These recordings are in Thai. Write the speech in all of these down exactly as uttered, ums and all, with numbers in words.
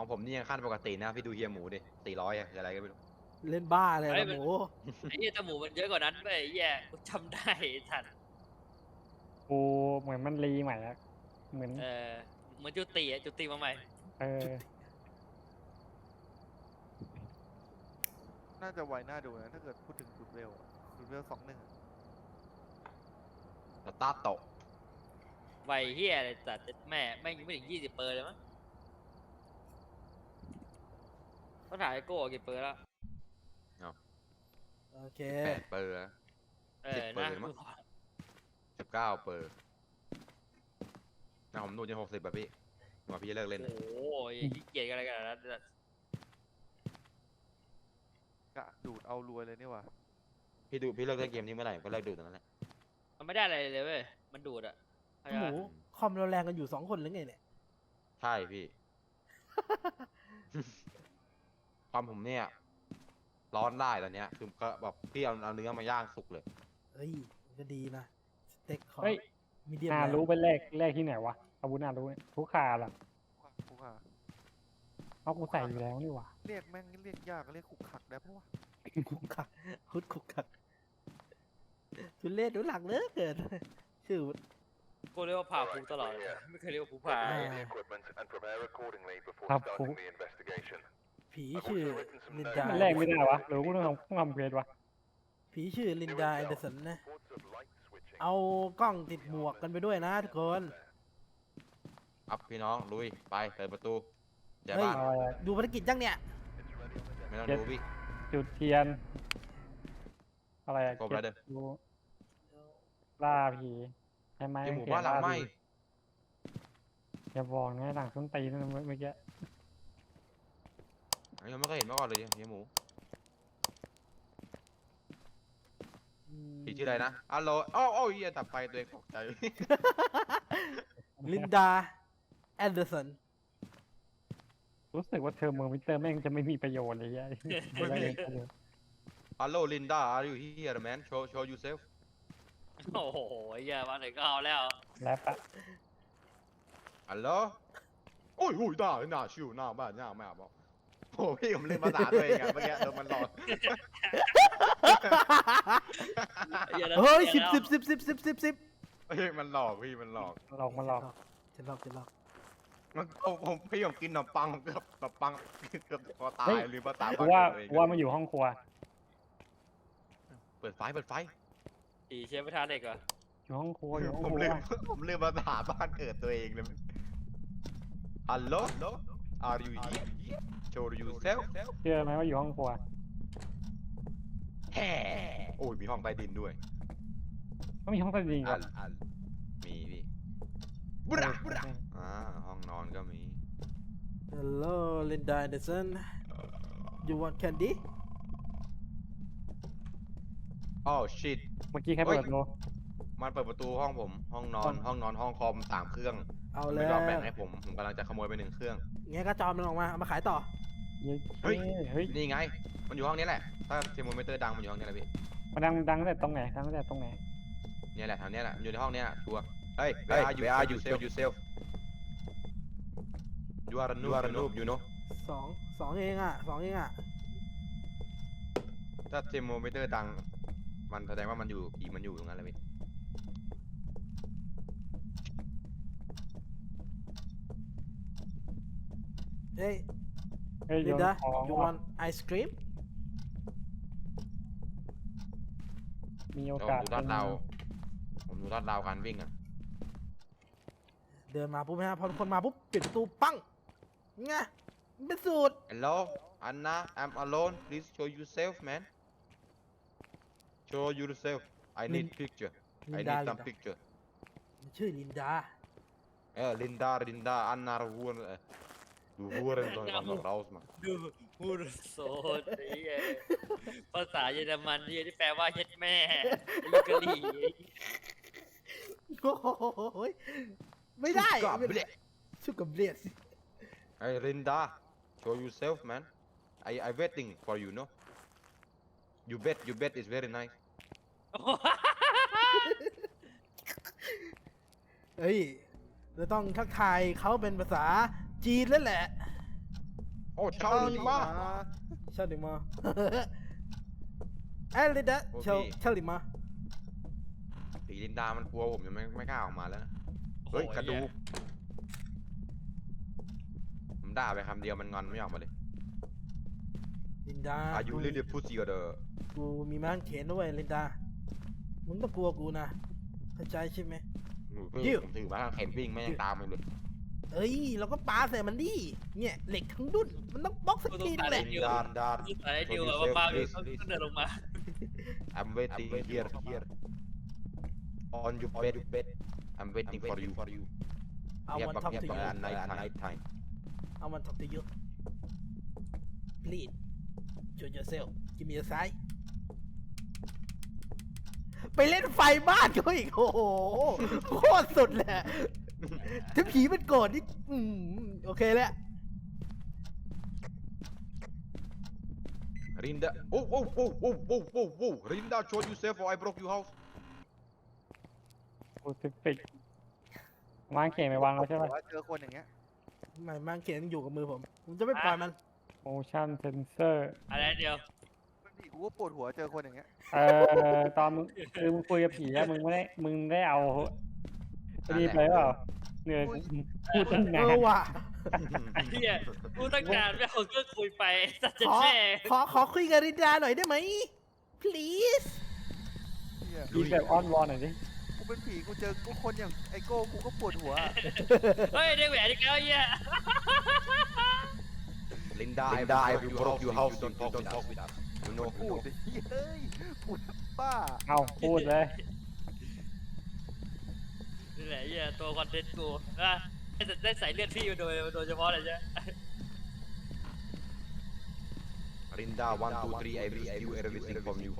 ของผมนี่ยังขั้นปกตินะพี่ดูเฮียหมูดิสี่ร้อยอะอะไรก็ไม่รู้เล่นบ้าเลยนะหมูไอ้เหี้ยจมูกมันเยอะกว่านั้นไปไอ้เหี้ยกูจำได้ไอ้สัตว์กูเหมือนมันรีใหม่อะเหมือนเออเหมือนจุติอะจุติมาใหม่เออน่าจะไวน่าดูนะถ้าเกิดพูดถึงจุดเวลอะจุดเวลสองหนึ่งสตาร์ทโตะไวเหี้ยอะไรสัตว์แม่แม่งยังไม่ถึงยี่สิบเปอร์เลยมั้งเขาถ่ายไอ้โก้กี่เปอร์แล้วโอเคแปดเปอร์เออสิบเปอร์นะมั้ง สิบเก้าเปอร์นะผมดูจนหกสิบแบบพี่ว่าพี่จะเลิกเล่นโอ้โหขี้เกียจกันอะไรกันนะกะดูดเอารวยเลยนี่หว่าพี่ดูพี่เลิกเล่นเกมนี้เมื่อไหร่ก็เลิกดูตอนนั้นแหละมันไม่ได้อะไรเลยเว้ยมันดูดอะเข้าใจหมูปะคอมเราแรงกันอยู่สองคนหรือไงเนี่ยใช่พี่ ความผมเนี่ยร้อนได้ตอนเนี้ยคือก็แบบพี่เอาเอาเนื้อมาย่างสุกเลยเฮ้ยมันก็ดีนะสเต็กของเฮ้ยมีเดียมนาแรรู้เป็นเลขเลขที่ไหนวะอาวุธนารู้เนี่ยทุกขาล่ะคุกค่ะเอากูใส่อยู่แล้วนี่หว่าเรียกแม่งเรียกยากเรียกคุกขักได้ปะวะคุกคักคุดคุกคักทุเรศดูหลังเลิกเกินชื่อกูเรียกว่าผ่าภูตลอดเลยไม่เคยเรียกว่าภูผาอ่า equipment and prepare accordingly before ครับ starting the investigation. ผีชื่อลินดามันแรกไม่ได้วะหรือกูต้องทำต้องทำเควสวะผีชื่อลินดาแอนเดอร์สันนะ Reports of light switching. เอากล้องติดหมวกกันไปด้วยนะทุกคนอัพพี่น้องลุยไปเปิดประตูแจเฮ้ยบ้านเอาอะไรดูภารกิจยังเนี่ยไม่ต้องดูพี่จุดเทียน อะไรอะครบแล้วเด้อก็บดูล่าผีใช่ไหมที่หมู่บ้านหลังไหม้อย่าบอกนะหลังส้นตีนนั่นเมื่อกี้อันนี้ผมไม่เคยเห็นมาก่อนเลยเฮียหมูพี่ชื่ออะไรนะอัลโหลอ้าวอ้าวเฮียตับไฟตัวเองตกใจลินดาแอนเดอร์สันรู้สึกว่าเทอร์โมมิเตอร์แม่งจะไม่มีประโยชน์เลยยัยไม่มี ฮัลโหลลินดา are you here man show show yourself โอ้โหไอ้เหี้ยมาถึงก็เอาแล้วแล้วปะฮัลโหลโอ้ยโอ้ยด่าหน้าชิวหน้าบ้านหน้าแม่บอกโอ้พี่ผมเล่นภาษาตัวเองอะเมื่อกี้โดนมันหลอกไอ้หี้นะเฮ้ยสิบแล้วสิบสิบสิบสิบสิบสิบเฮ้ยมันหลอกพี่มันหลอกหลอกมาหลอกจะหลอกจะหลอกมันผมผมพี่ผมกินขนมปังเกือบขนมปังเกือบคอตายหรือภาษากูว่ากูว่ามันอยู่ห้องครัวเปิดไฟเปิดไฟผีเชฟประธานเด็กเหรออยู่ห้องครัวอยู่ห้องผมครัลืวมผมลืมภาษาบ้านเกิดตัวเองเลยฮัลโหล are you here show yourself เชื่อไหมว่าอยู่ห้องครัวแฮ่โอ้ยมีห้องใต้ดินด้วยก็มีห้องใต้ดินอักันนอันมีพี่บุระบุระอ่าห้องนอนก็มีฮัลโหลลินดาแอนเดอร์สัน you want candy อ้าวชิดเมื่อกี้ใครเปิดโลมันเปิดประตูห้องผม ห้องนอน ห้องนอนห้องคอมสามเครื่องเอาเลไม่ยยอมแบ่งให้ผม ผมกำลังจะขโมยไปหนึ่งเครื่องงั้นก็จอมมันออกมาเอามาขายต่อเย้เฮ้ยเฮ้ยนี่ไง มันอยู่ห้องนี้แหละ ถ้าเทอร์โมมิเตอร์ดังมันอยู่ห้องนี้แหละพี่มันดังดังตั้งแต่ตรงไหนดังตั้งแต่ตรงไหนเนี่ยแหละแถวเนี้ยแหละ อยู่ในห้องเนี้ยชัวร์เฮ้ย where are you where are you self yourself you are a noob you are a noob you know สองสองเองอ่ะสองเองอ่ะถ้าเทอร์โมมิเตอร์ดัง มันแสดงว่ามันอยู่ผีมันอยู่ตรงนั้นแหละพี่เฮ้ยเฮ้ยโยลินนดาของ you want ice cream มีโอแล้วกาสดูลาดเราผมดูลาดเราการวิ่งอ่ะเดินมาปุ๊บนะฮะพอทุกคนมาปุ๊บปิดประตูปั้งไงมันเป็นสูตร Hello Anna I'm alone please show yourself man show yourself I need picture ลิ I นดา need ลิน some ดา picture มันชื่อลินดาเออลินดาลินดาอันนารูวนเออดูวัวเรนตอนกำลังเราสมาดูพูดโซดไอ้เหี้ยภาษาเยอรมันที่ที่แปลว่าเฮ็ดแม่ลูกกะหรี่โอ้โหไม่ได้กับไม่เบลได้ชุกกับเบียดไอ้ลินดา show yourself man I I waiting for you no you bet you bet is very nice เฮ้ยเราต้องทักทายเขาเป็นภาษาจีนแล้วแหละโอ้เช่านี่มาเช่าหนึ่งมา เอ้ยลินดาโอเคเช่าเช่าหนึ่งมาสีลินดามันกลัวผมยังไม่ไม่กล้าออกมาแล้วนะเฮ้ยกระดูกผมด่าไปคำเดียวมันงอนไม่ออกมาเลยลินดาอายุเรียกพูดซีก็เด้อกูมีม้าเขนด้วยลินดา มึงต้องกลัวกูนะ เข้าใจใช่ไหม ยิ้วผมถือมาทางเข็นวิ่งไม่ยังตามมันเลยเอ้ย เราก็ปาใส่มันดิ เนี่ยเหล็กทั้งดุนมันต้องบล็อกสักทีนึงแหละลินดาดาสุดท้ายดิวอะว่าบ้าอยู่ต้องเดินลงมา I'm waiting here here on your bed bed I'm waiting for you for you I want to talk to you at night night time I want to talk to you please show yourself give me a sign ไปเล่นไฟบ้านเขาอีก โอ้โห โคตรสุดเลยอะถ้าผีมันโกรธนี่อืมโอเคแล้ว Rinda oh oh oh oh oh oh oh Rinda show yourself or I broke your house กูสิฟิกวางเขียนไปวางแล้วใช่ปะว่าเจอคนอย่างเงี้ยไม่มังเขียนอยู่กับมือผม ผมจะไม่ปล่อยมัน motion sensor อะไรเดียวเป็นผีกูก็ปวดหัวเจอคนอย่างเงี้ยเออตอนมึงคือมึงคุยกับผีอะมึงไม่ได้มึงได้เอาไอ้นี่ไปเปล่าเนี่ยพูดตั้งเอนาอน ว่ะไอ้เหี้ยกูตั้งนานไม่เอาก็คุยไปสัตว์จะขอแช่ขอ ขอคุยกับรินดาหน่อยได้ไหม please เหี้ยมีแบบอ้อนวอนหน่อยดิกูเป็นผีกูเจอกูคนอย่างไอโก้กูก็ปวดหัวเฮ้ยได้แหวนอีกแล้วเหี้ย Linda Linda I broke your house don't talk don't talk with us you know พูดดิเฮ้ยพูดป้าเอาพูดเลยนี่แหละเหี้ยตัวคอนเทนต์กูนะได้ได้ใส่เลือดพี่มาโดยโดยเฉพาะเลยใช่ไหม Rinda one two three I receive everything from you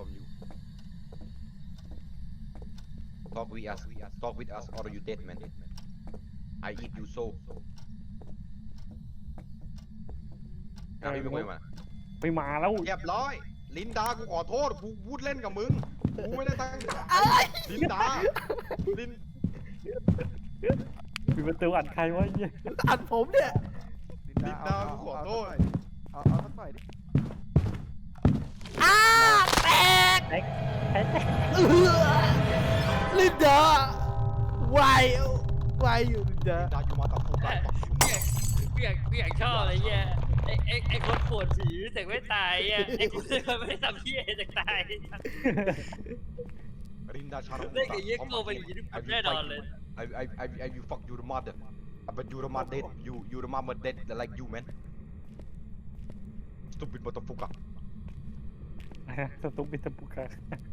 talk with us talk with us or you dead man I eat you so อ่ะพี่ไม่คุยมาไปมาแล้วเรียบร้อย ลินดา กูขอโทษ กูพูดเล่นกับมึง กูไม่ได้ตั้งใจลินดา ลินปิดประตูอัดใครวะเหี้ยอัดผมเนี่ยลินลินดา กูขอโทษเอาเอาสักหน่อยดิอ้าแตกแท็กแท็กเอื้อลินดา why why อยู่ลินดาลินดา อยู่มาต่อฟูกันเปียกเปียกชอบอะไรเงี้ยไอ้ไอ้ไอ้คนปวดผีแต่ไม่ตายอ่ะไอ้คนที่มันไม่ได้ทำพี่แต่ตายลินดา ชาร์เล่นกับเยี่ยโกเป็นอย่างนี้ทุกคนแน่นอนเลย I I I I you fuck your mother but your mother dead you your mama dead like you man stupid motherfucker สตุกบิสปุกะ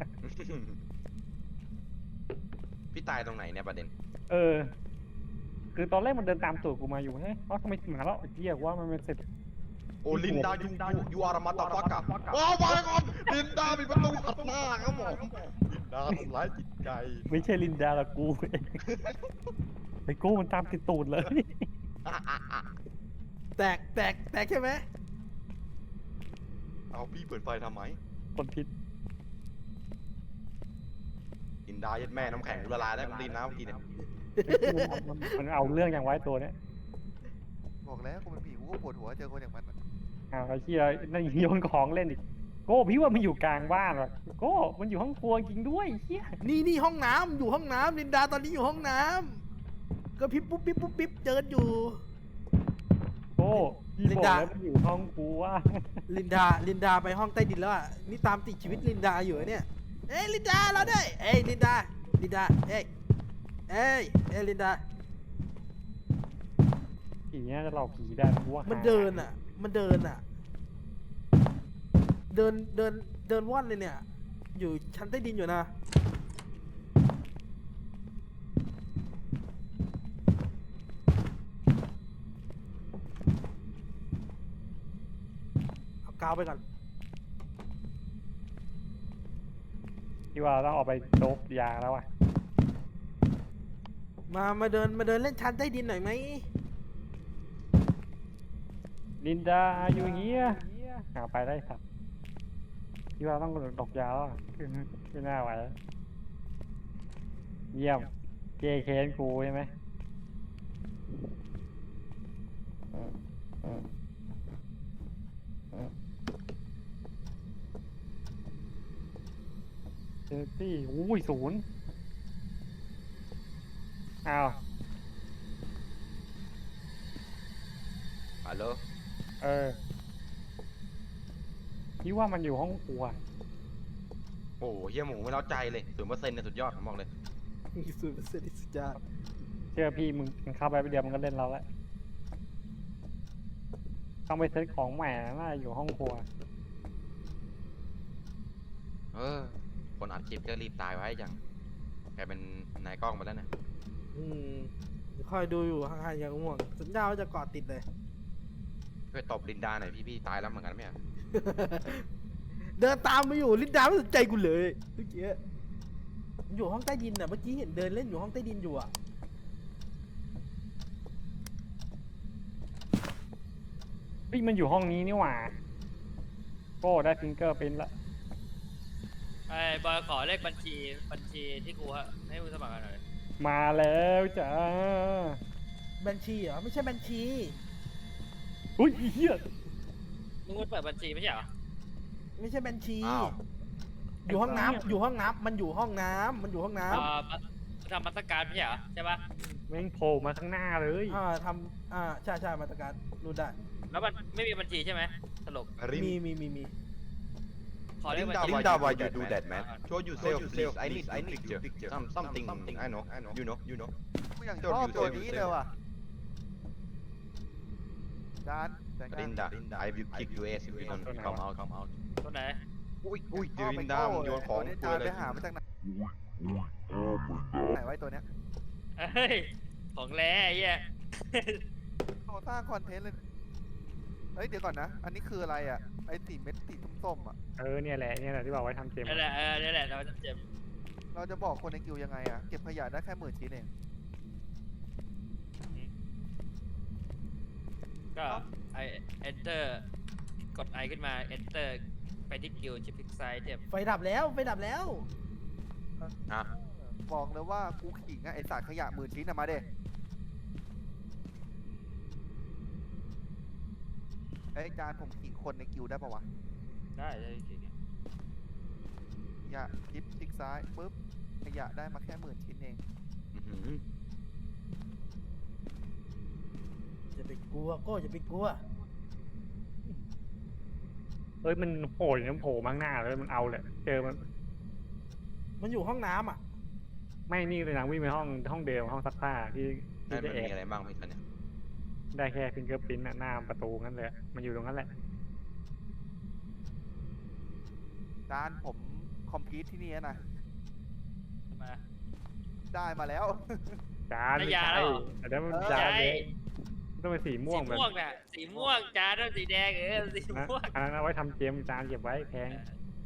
พี่ตายตรงไหนเนี่ยประเด็นเออ คือตอนแรกมันเดินตามตูดกูมาอยู่เฮ้ยเอ้าทำไมถึงมาแล้วไอ้เหี้ยว่ามันเป็นเสร็จโอ้ลินดา you you you are a motherfucker ว้าวมาก่อนลินดามีประตูอัดหน้าครับผมลินดาทำร้ายจิตใจไม่ใช่ลินดาละกูเองไอ้กูมันตามติดตูดเลยแตกแตกแตกใช่ไหมเอาพี่เปิดไฟทำไมคนผิดลินดายัดแม่น้ำแข็งกูละลายได้ผมดินน้ำเมื่อกี้เนี่ยมันเอาเรื่องอย่างไว้ตัวเนี้ยบอกแล้วกูเป็นผีกูก็ปวดหัวเจอคนอย่างมันอะอ้าวไอ้เหี้ยนั่นโยนของเล่นอีกโก้พี่ว่ามันอยู่กลางบ้านว่ะโก้มันอยู่ห้องครัวจริงด้วยไอ้เหี้ยนี่นี่ห้องน้ำอยู่ห้องน้ำลินดาตอนนี้อยู่ห้องน้ำก็พิบปุ๊บปิ๊บปุ๊บปิ๊บเจออยู่โก้พี่ลิบนอกดาแล้วมันอยู่ห้องครัวลินดา ลินดาไปห้องใต้ดินแล้วอ่ะ นี่ตามติดชีวิตลินดาอยู่อะเนี่ย เอ้ยลินดาเราด้วยเอ้ยลินดา ลินดา เอ้ย เอ้ย เอ้ยลินดาผีน่าจะหลอกผีได้กูว่ามันหาเดินอ่ะ มันเดินอ่ะ เดิน เดิน เดินว่อนเลยเนี่ย อยู่ชั้นใต้ดินอยู่นะ เอากาวไปก่อนที่ว่าเราต้องออกไปโดบยาแล้วอ่ะมา มาเดิน มาเดินเล่นชั้นใต้ดินหน่อยไหมลินดาอยู่เงี้ยหาไปได้ครับที่ว่าต้องดอกยาแล้วอะคือไม่น่าไหวแล้วเยี่ยมเจเคนกูใช่ไหมเออเออเจอตี้อุ้ยศูนย์อ้าวฮัลโหลเออคิดว่ามันอยู่ห้องครัวโอ้โหเฮียหมูไม่เล้าใจเลยศูนย์เปอร์เซ็นต์เนี่ยสุดยอดผมบอกเลยสูตรเสร็จสุดยอดเชื่อพี่มึงมึงเข้าไปไปเดียวมันก็เล่นเราแล้วต้องไปเซ็ตของใหม่น่าจะอยู่ห้องครัวเออคนอัดคลิปก็รีบตายไว้จังแกเป็นนายกล้องมาแล้วเนี่ยอืมเดี๋ยวคอยดูอยู่ห่างๆอย่างง่วงสัญญาว่าจะเกาะติดเลยช่วยตบลินดาหน่อยพี่พี่ตายแล้วเหมือนกันไหมอะเดินตามมาอยู่ลินดาไม่สนใจกูเลยเมื่อกี้มันอยู่ห้องใต้ดินอ่ะเมื่อกี้เห็นเดินเล่นอยู่ห้องใต้ดินอยู่อ่ะเฮ้ยมันอยู่ห้องนี้นี่หว่าโก้ได้ฟิงเกอร์เป็นละไอ้บอยขอเลขบัญชีบัญชีที่กูให้มึงสมัครกันหน่อยมาแล้วจ้าบัญชีเหรอไม่ใช่บัญชีอุ้ยเฮียมึงเปิดบัญชีไม่ใช่เหรอไม่ใช่บัญชีอ้าวอยู่ห้องน้ำอยู่ห้องน้ำมันอยู่ห้องน้ำมันอยู่ห้องน้อ่าทำมาตรการไม่ใช่เหรอใช่ปะแม่งโผล่มาข้างหน้าเลยำอ่าทำอ่าใช่ใช่มาตรการรู้ได้แล้วมันไม่มีบัญชีใช่ไหมสรุปริมมีมีมีมีขอเลขบัญชี Linda, why you do that, man? Show yourself, please. I need, I need picture. Some, something. I know, I know. You know, you know. กูอย่างช Don't อบ you ตัว say- นี้ say- เลยว่ะจานแต่งงาน Linda, I will kick your ass if you don't come out, come out. ตัวไหนอุ้ยอุ้ยชเดี๋ยอวบไปลินดาโก้มันโยนของตัวนี้กูจานเลไปยหามาจากไหนไหนไว้ตัวเนี้ยเฮ้ยของแร่ไอ้เหี้ยโอ้สร้างคอนเทนต์เลยเฮ้ยเดี๋ยวก่อนนะ อันนี้คืออะไรอ่ะไอ้สีเม็ดสีส้มๆอ่ะเออเนี่ยแหละเนี่ยแหละที่บอกไว้ทำเกมนั่นแหละเออนั่นแหละเราจะเจ็บเราจะบอกคนในกิวยังไงอ่ะเก็บขยะได้แค่หมื่นชิ้นเองก็ไอ enter กด i ขึ้นมา enter ไปที่กิลชิปพิกไซด์เทปไฟดับแล้วไฟดับแล้วอ่ะบอกเลยว่ากูขิงอ่ะไอสารขยะหมื่นชิ้นอ่ะมาเด้ไอ้ยจานผมขิงคนในกิวได้ปะวะได้ได้จริงขยะยิบคลิกซ้ายปุ๊บขยะได้มาแค่หมื่นชิ้นเองอื้อหือจะไปกลัวก็จะไปกลัวเอ้ยมันโผล่มันโผล่มาข้างหน้าเลยมันเอาเลยเจอมันมันอยู่ห้องน้ำอ่ะไม่นี่เลยนะวิ่งไปห้องห้องเดิมห้องซักผ้าที่นั่ที่นจะมันแอมีบอะไรบ้างพี่ตอนเนี้ยได้แค่ฟิงเกอร์พิ้นหน้าประตูนั่นเลยมันอยู่ตรงนั้นแหละจานผมคอมพิวที่นี่นะมาได้มาแล้วจานได้ไม่ยาใช่แล้วเหรอแต่นั้นมันเออจานใช่เลยมันต้องเป็นสีม่สีวงแบบม่วงน่ะสีม่วงจานแล้วสีแดงเออสีนะม่วงอันนั้นเอาไว้ทำเกมจานเก็บไว้แพง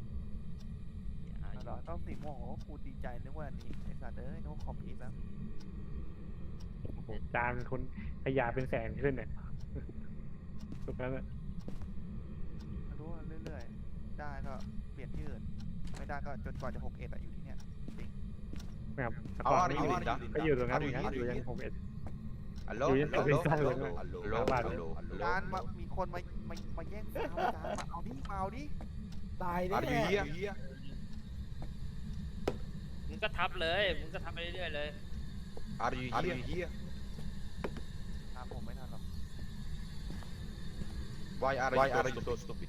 เหรอต้องสีม่วงโอ้กูดีใจนึกว่าอันนี้ไอ้สัตว์เอ้ยนึกว่าคอมพิวแล้วโอ้โหจานเป็นคนขยะเป็นแสนขึ้นเนี่ยตรงนั้นอะมาดูเรื่อยๆได้ก็เปลี่ยนที่อื่นไม่ได้ก็จนกว่าจะหกเอ็ดอะอยู่ที่เนี้ยจริงแบบเอาก่อนอะไรนี้อยู่ลินดาก็อยู่ตรงนั้นเอาเหมือนกันอยู่อยู่อยู่ยังหกเอ็ดฮัลโหลอยู่ยังฮัลโหลเป็นฮัลโหลเลยฮัลโหลหน้าบ้านฮัลโหลฮัลโหลจานมามีคนมามามาแย่งฟาวจานมาเอาดิมาเอาดิตายอาแน่ร์ยูเฮียมึงก็ทับเลยมึงก็ทับไปเรื่อยๆเลยอาร์ยูเฮียตามผมไม่ทันหรอก Why are Why are you so stupid?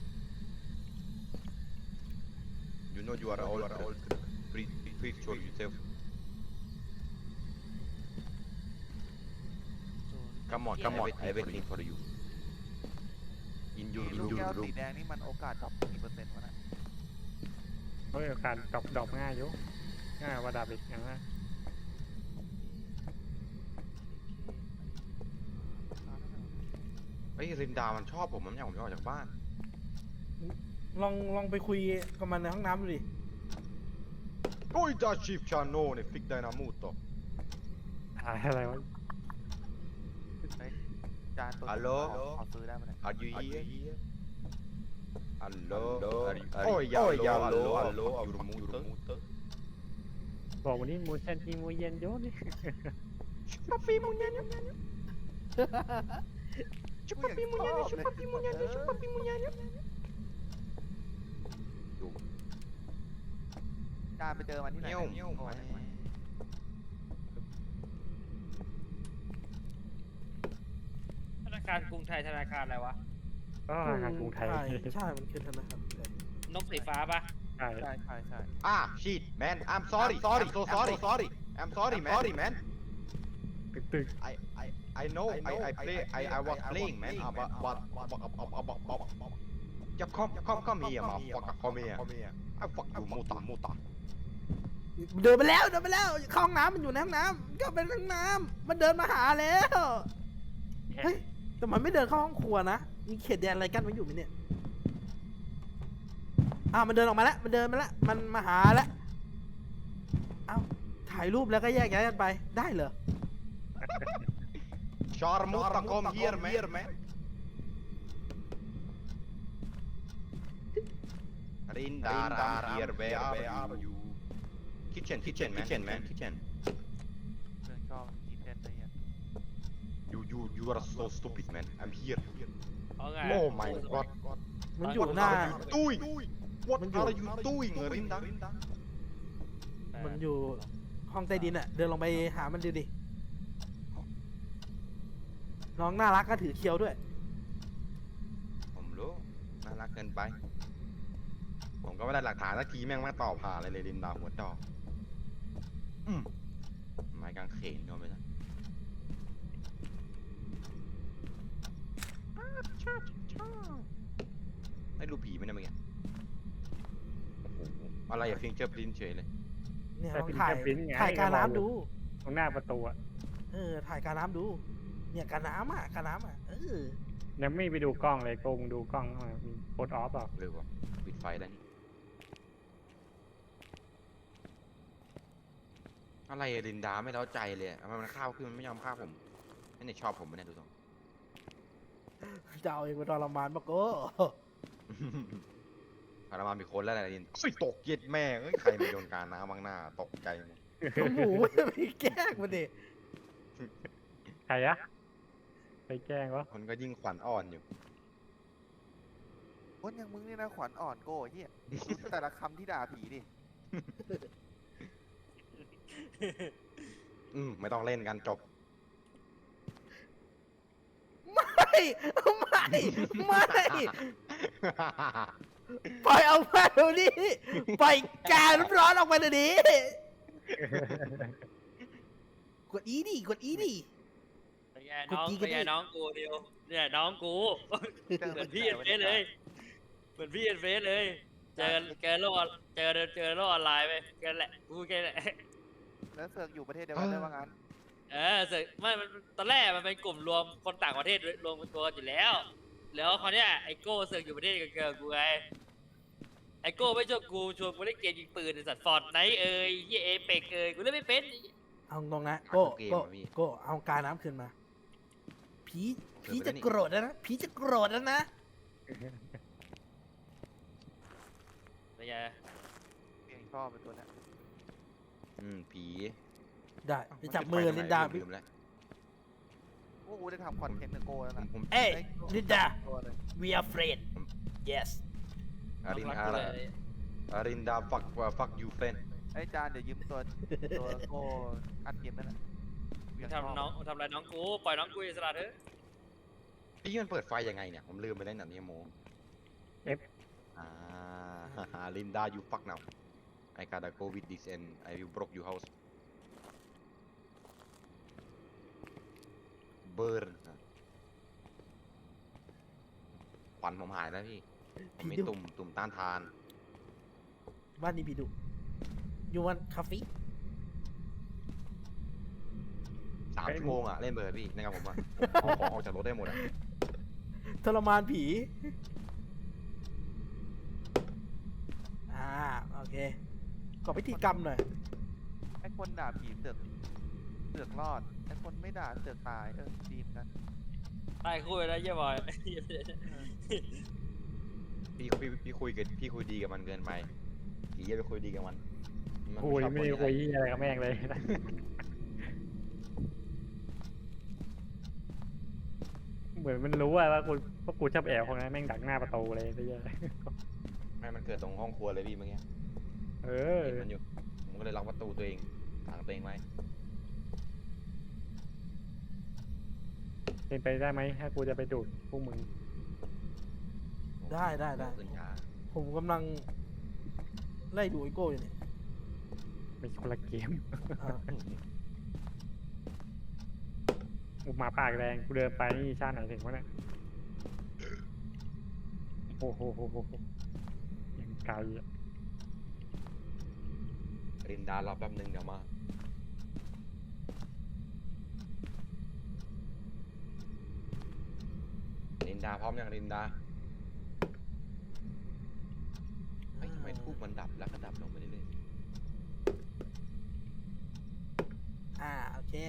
You know you are all all Please please show yourself. Come on, come on, I waiting for you. In your ลูก in แก้ว your สี room. แดงนี่มันโอกาสดรอปกี่เปอร์เซ็นต์วะนะเพราะการดรอปดรอปง่ายอยู่ง่ายกว่าดาบอีกอย่างนั้นเฮ้ยรินดามันชอบผมมันอยากผมจะออกจากบ้านลองลองไปคุยกับมันในห้องน้ำดูดิ Oi da chip cannone, fick dig na motor. หายอะไรวะเฮ้ยจานตัวฮัลโหลขอขอซื้อได้ไหมเนี่ย Are you here? Hello? Are you, oh, yeah, hello, hello, hello, your motor. บอกวันนี้มูเซนทีมูเย็นโยนี่ Papi muñeño. กูอยากชอบเลย Papi muñeño, papi muñeño. จานไปเจอมันที่ไหนเงี้ยวเนี่ยเงี้ยวโอ้ไปยธนาคารกรุงไทยธนาคารอะไรวะก็ธนาคารกรุงไทยใช่มันคือธนาคารไทยนกสีฟ้าปะใช่ใช่ใช่ใช่อ่ะ shit man I'm sorry sorry so sorry sorry I'm sorry man sorry man ตึกตึก I I I know I I play I I was playing man uh, but but but but but but but จะ come come come here มา fuck come here I fuck you มูตามูตาเดินไปแล้วเดินไปแล้วเข้าห้องน้ำมันอยู่ในห้องน้ำก็เป็นห้องน้ำมันเดินมาหาแล้วเฮ้ยแต่มันไม่เดินเข้าห้องครัวนะมีเขตแดนอะไรกั้นไว้อยู่ไหมเนี่ยอ้าวมันเดินออกมาแล้วมันเดินมาแล้วมันมาหาแล้วเอ้าถ่ายรูปแล้วก็แยกย้ายกันไปได้เหรอ Sharmuta come here man Rinda I'm here where are you kitchen kitchen man kitchen man kitchen เรื่องชอบกินเด่นเลยอ่ะ you you you are so stupid man I'm here เอาไง oh my god มันอยู่หน้า What are you doing What are you doing Rinda มันอยู่ห้องใต้ดินอะเดินลงไปหามันดูดิน้องน่ารักก็ถือเคียวด้วยผมรู้น่ารักเกินไป ผมก็ไม่ได้หลักฐานสักทีแม่งมาต่อผ่าเลยเลยลินดาหัวดอกอืมไม้กางเขนก็ไม่ได้ได้ดูผีไหมเนี่ยเมื่อกี้โอ้โหอะไรอะฟิงเจอร์พรินเฉยเลยเนี่ยแต่ลองเป็นถ่ายแค่ปริ้นไงถ่ายการน้ำดูตรงหน้าประตูอะเออถ่ายการน้ำดู เนี่ยการน้ำอ่ะการน้ำอ่ะเออยังไม่ไปดูกล้องเลยโกงดูกล้องเข้ามามีโคดออฟหรอเร็วว่ะปิดไฟแล้วนี่อะไรอะลินดาไม่เล้าใจเลยอะทำไมมันข้าวขึ้นมันไม่ยอมข้าวผมไม่ได้ชอบผมไม่ได้ดูตรงจะเอาเองไปทรมานปะโก้พารามามีคนแล้วอะไรลินอุ้ยตกเย็ดแม่เอ้ยใครมาโยนการน้ำบางหน้าตกใจหมดหมูจะไปแกล้งมันดิใครอะไปแกล้งวะคนก็ยิ่งขวัญอ่อนอยู่คนอย่างมึงนี่นะขวัญอ่อนโก้เฮียแต่ละคำที่ด่าผีดิอืมไม่ต้องเล่นกันจบไม่ไม่ไม่ปล่อยเอาไปเดี๋ยวนี้ปล่อยการร้อนออกมาเดี๋ยวนี้กดอีดิกดอีดิเป็นไงน้องกูจี้กันเป็นไงดิน้องกูเดียวเนี่ยน้องกูเหมือนพี่เอ็นเฟสเลยเหมือนพี่เอ็นเฟสเลยเจอเจอโลกออนเจอเจอโลกออนไลน์ไปกันแหละกูแค่แหละแล้วเสือกอยู่ประเทศเดียวกันได้ว่างั้นเออเสร็จไม่มันตอนแรกมันเป็นกลุ่มรวมคนต่างประเทศรวมเป็นตัวกันอยู่แล้ว แล้วคราวเนี้ยไอโก้เสือกอยู่ประเทศเดียวกับกูไงไอโก้ไม่ชวนกูชวนกูเล่นเกมยิงปืนไอสัตว์ฟอร์ดไนท์เอ้ยยี่เอเปกเอ้ยกูเล่นไม่เป็นเอาตรงนะโก้เกมโก้อะพี่โก้เอาการน้ำคืนมาผีผีเกิจะดไปแล้วนี่โกรธแล้วนะผีจะโกรธแล้วนะเป็นไงเองชอบเป็นตัวเนี้ยอืมผีได้ไปจับมือลินดาลืมแล้วพวกกูได้ทำคอนเทนต์กับโก้แล้วผมนะผมเอ้ยได้ลินดาตัวเลย we are friend yes อารินรักอากูรเลยอารินดา fuck fuck you friend ไอ้จานเดี๋ยวยืมตัวตัวโก้อัดเกมนั่นแหละกูอยากชบทำน้องทำอะไรน้องกูปล่อยน้องกูอิสระเถอะพี่มันเปิดไฟยังไงเนี่ย ผมลืมไปแล้วเนี่ยนี่โม F อ่า ลินดา you fuck now I gotta go with this and I will broke your house burn ควันผมหายแล้วพี่ ผมมีพี่ดุตุ่มตุ่มต้านทานบ้านนี้พี่ดุยูวันคาเฟ่สามชั่วโมงอ่ะ เล่นเบอร์พี่นะครับผมอ่ะเอาของออกจากรถได้หมดอ่ะทรมานผีอ่าโอเคก่อพิธีกรรมหน่อยไอ้คนด่าผีเสือกเสือกรอดไอ้คนไม่ด่าเสือกตายเออดีเหมือนกันตายคู่เลยนะเยี่ยบอยพี่พี่พี่คุยกับพี่คุยดีกับมันเกินไปผีอย่าไปคุยดีกับมันมันคุยชอบไม่นได้อย่างคุยนั้นอะไรกับแม่งเลย เหมือนมันรู้ว่าว่ากูว่ากูชอบแอบคนนั้นแม่งดักหน้าประตูเลยไปเยอะไม่มันเกิดตรงห้องครัวเลยพี่เมื่อกี้เอเออเห็นมันอยู่ผมก็เลยล็อกประตูตัวเองขังตัวเองไว้เป็นไปได้ไหมถ้ากูจะไปดูดพวกมึงได้ได้ได้ขึ้นช้าผมกำลังไล่ดูไอโก้อยู่เนี่ยเป็นคนละเกมอ่าอุหมาปากแดงกูเดินไปนี่ชาติไหนถึงวะเนี่ยโอ้โหโหโหโหยังไกลอ่ะรินดารอแป๊บนึงเดี๋ยวมารินดาพร้อมยังรินดาเฮ้ยทำไมทูบมันดับแล้วก็ดับลงไปเรื่อยอ่าโอเค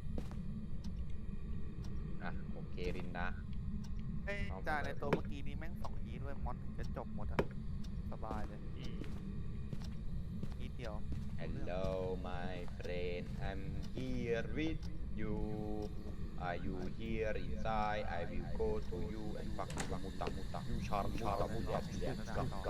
ๆอ่ะโอเครินดาเอ้ยเอาจ่าไปในตัวเมื่อกี้นี้แม่งสองยีด้วยมอนถึงจะจบหมดอะสบายเลยอืมยีเดียว Hello my friend I'm here with you Are you here inside I will go to you and fuck you muta muta you charm charm muta muta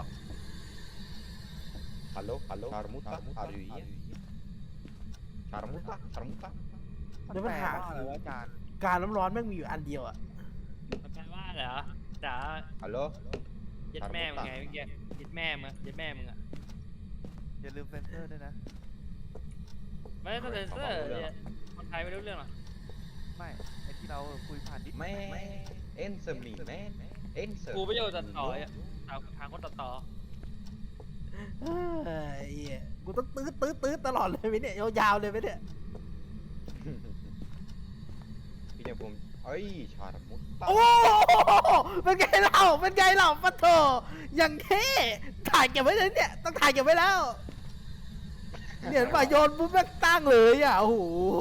Hello hello charmuta are you here charmuta charmuta เดี๋ยวมันหาแปลว่าอะไรวะอาจารย์การน้ำร้อนแม่งมีอยู่อันเดียวอะมันแปลว่าเหรอจ๋า Hello ยัดแม่มึงไงเมื่อกี้ยัดแม่มึงยัดแม่มึงอะอย่าลืมเซนเซอร์ด้วยนะไม่ต้องเซ็นเซอร์เนี่ยคนไทยไม่รู้เรื่องหรอกไม่ไอที่เราคุยผ่านดิส man answer me man answer กูไม่โยนตัดต่ออ่ะทางทางคนตัดต่อเฮ้ยเหี้ยกูต้องตื้อตื้อตื้อตลอดเลยไหมเนี่ยยาวๆเลยไหมเนี่ยพี่เนี่ยผมเอ้ยชาร์มุตตาโอ้โหเป็นไงเล่าเป็นไงเล่าปะโถอย่างเท่ถ่ายเก็บไว้เลยเนี่ยต้องถ่ายเก็บไว้แล้วเนี่ยเห็นป่ะโยนปุ๊บแม่งตั้งเลยอ่ะโอ้โห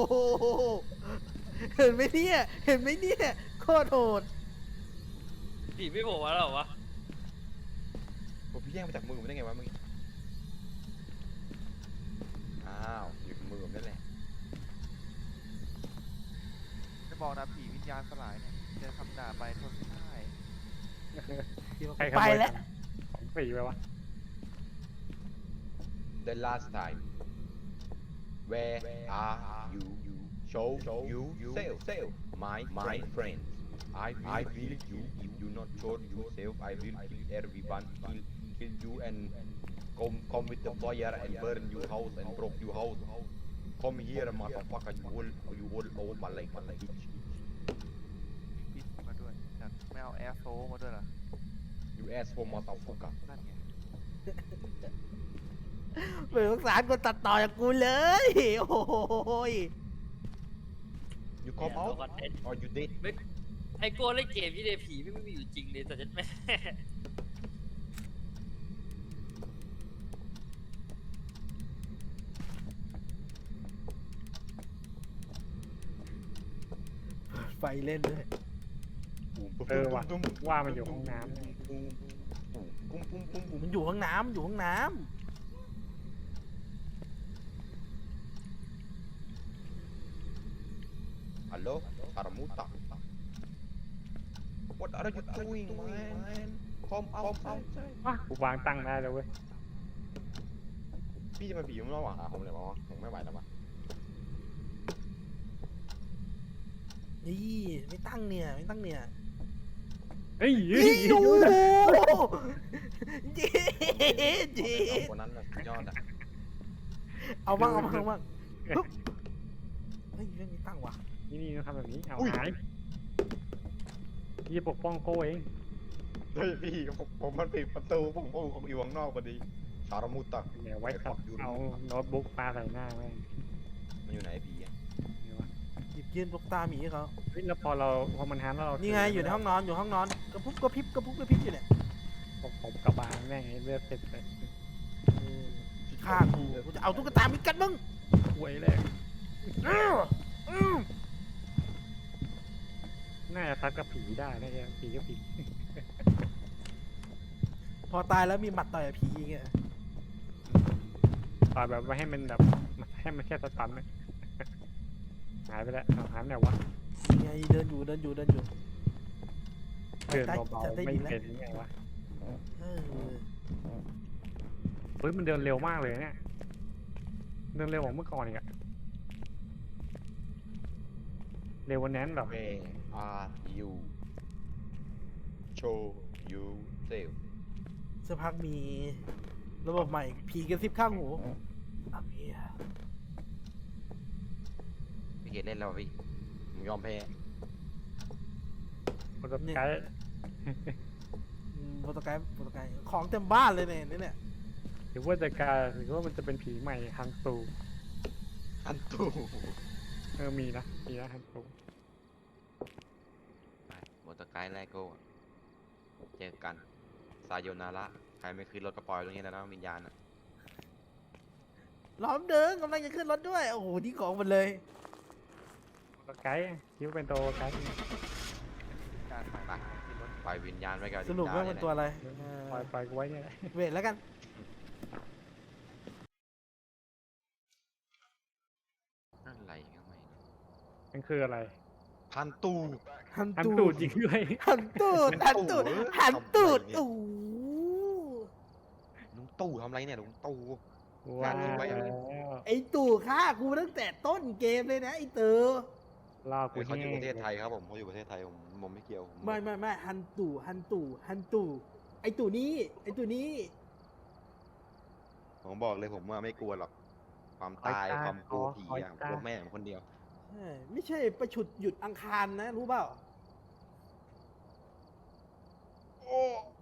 เห็นไหมเนี่ยเห็นไหมเนี่ยโคตรโหดผีไม่โผล่มาแล้วเหรอวะผมพี่แย่งมาจากมือผมได้ไงวะเมื่อกี้อ้าวหยิบมือผมนั่นแหละจะบอกนะผีวิญญาณสลายเนี่ยเจอคำด่าไปทนไม่ได้ใครขไปโมยแล้วของฟรีไปวะ The last time Where are you Show you self self My my friend I I will you if you not show yourself I will kill everyone kill kill you and come come with the fire and burn your house and broke your house Come here motherfucker you will you will old man like man like bitch มีพิษมาด้วยจัดไม่เอาแอร์โซมาด้วยเหรอ You asshole motherfucker นั่นไงไม่สงสารคนตัดต่ออย่างกูเลยโอ้โหย You come เนี่ย out ตัวคอนเทนต์ or you dead ไม่ไอโก้เล่นเกมที่เดผีไม่มีอยู่จริงเลยแต่ฉันแม่ไฟเล่นด้วยเออว่ะว่ามันอยู่ห้องน้ำปุ้มปุ้มปุ้มปุ้มปุ้มมันอยู่ห้องน้ำอยู่ห้องน้ Hello Charmuta What are you doing man Come out outside ว้ากูวางตั้งได้แล้วเว้ยพี่จะมาบีบมันระหว่างหาผมเลยวะผมไม่ไหวแล้ววะำนี่ไม่ตั้งเนี่ยไม่ตั้งเนี่ยเฮ้ยเฮ้ยนี่เฮ้ยโอ้โหดูนะเย็ดเย็ดคนนั้นน่ะสุดยอดอ่ะเอาบ้างเอาบ้างเอาบ้างปึ๊บเฮ้ยเรื่องนี้ตั้งว่ะนี่นี่ต้องทำแบบนี้เอาหายยี่ปกป้องโก้เองเฮ้ยพี่ผมผมมันปิดประตูผมผมอยู่ข้างนอกพอดีชารามุตะเดี๋ยวไว้ขับเอาโน้ตบุ๊กปาใส่หน้าแม่งมันอยู่ไหนพี่อะเดี๋ยววะหยิบยื่นลูกตาหมีให้เขาเฮ้ยแล้วพอเราพอมันหันแล้วเรานี่ไงอยู่ในห้องนอนอยู่ห้องนอนกระพุ้กระพริบกระพุ้กระพริบอยู่เนี่ยผมผมกระบาลแม่งไอ้เลือดเต็มเลยเออฆ่ากูกูจะเอาตุ๊กตาหมีกัดมึงหวยเลยอื้ออื้อน่าจะทัดกับผีได้นะเนี่ยผีก็ผีพอตายแล้วมีหมัดต่อยกับผีอย่างเงี้ยต่อยแบบไม่ให้มันแบบให้มันแค่สตันนะ หายไปแล้วเอาหายไปไหนวะไงเดินอยู่เดินอยู่เดินอยู่เดินเบาจะได้ๆไม่ดีแล้วเห็นยังไงวะเออปืฮ้ยมันเดินเร็วมากเลยเนี่ยเดินเร็วกว่าเมื่อก่อนอีกอะเร็วกวันนั้นแบบ Where are you show you self สักพักมีระบบใหม่ผีกระซิบข้างหูอ่ะเพียพี่เกดเล่นแล้วอะพี่ผมยอมแพ้มันจะไกด์อืมโปรโตไกด์โปรโตไกด์ของเต็มบ้านเลยเนี่ยเนี่ยหรือว่าจะกลายหรือว่ามันจะเป็นผีใหม่ฮันตูอันตู่เออมีนะมีนะฮันตูไปมอเตอร์ไกด์แรกโก้เจอกันซาโยนาระใครไม่ขึ้นรถก็ปล่อยตรงนี้แล้วนะวิญญาณอะล้อมเดินกำลังจะขึ้นรถด้วย โอ้โหที่ของหมันเลยตัวไกด์คิดว่าเป็นตัวไกด์การไปไปขึ้นรถปล่อยวิญญาณไว้กับสรุปว่าลิมันดาตัวอะไรปล่อยปล่อยกูไว้เนี่ยแหละเวทแล้วกันอะไรก็ไม่รู้มันคืออะไรพันตูหันฮันตูตูดจริงด้วยหันตูดหันตูดหันตูดโอ้โหลุงตู่ทำอะไรเนี่ยลุงตู่ว้าทิ้งไว้วไอตู่ฆ่ากูตั้งแต่ต้นเกมเลยนะไอเตอล่อกูเขาอยู่แห้ประเทศงไทยครับผมเขาอยู่ประเทศไทยผมผมไม่เกี่ยวผมไม่ไม่ไม่หันตู่หันตู่หันตู่ไอตู่นี้ไอตู่นี้ผมบอกเลยผมว่าไม่กลัวหรอกความตายความกลัวผีอะกลัวแม่ผมคนเดียวใช่ไม่ใช่ประฉุดหยุดอังคารนะรู้เปล่าโอ้